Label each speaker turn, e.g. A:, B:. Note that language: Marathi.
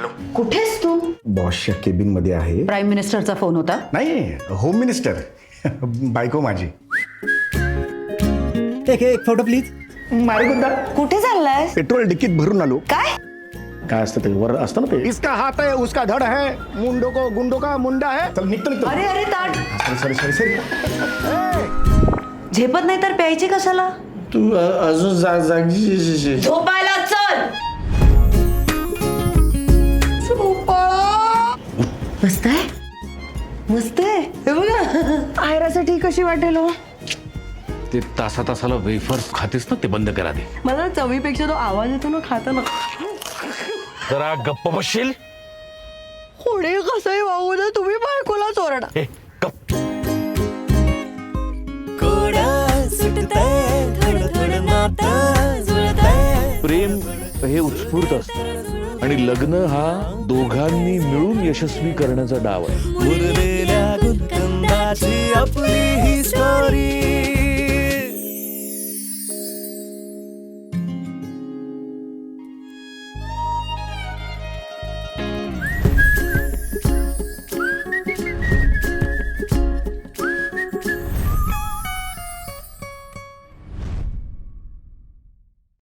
A: हॅलो,
B: कुठेस तू?
A: बॉसच्या केबिन मध्ये आहे.
B: प्राईम मिनिस्टरचा फोन होता.
A: नाही, होम मिनिस्टर. बायको माझी.
C: एक फोटो प्लीज.
A: मारे गुद्दा.
B: कुठे चाललाय?
A: पेट्रोल डिक्कीत भरून आलो.
B: काय?
A: काय असतं ते वर असतं ना ते. इसका हात है उसका धड है, मुंडो को गुंडो का मुंडा है. चल निघतो.
B: अरे अरे ताट.
A: सॉरी.
B: झेपत नाही तर प्यायची कशाला?
C: तू अजून जागी.
B: झोपायला चल. मस्त आहे, मस्त आहे. हे बघा, आयरासाठी कशी वाटेल हो?
D: ते तासाला वेफर्स खातेस ना, ते बंद करा दे.
B: मला चवीपेक्षा तो आवाज येतो ना खाताना.
D: जरा गप्प बसशील.
B: कोणी कसंही वागू दे, तुम्ही बायकोला चोरडा.
D: ए, गप्प. प्रेम हे उत्स्फूर्त असतं आणि लग्न हा दोघांनी मिळून यशस्वी करण्याचा डाव आहे.
E: मुरलेल्या गुंतंदाची आपली ही स्टोरी.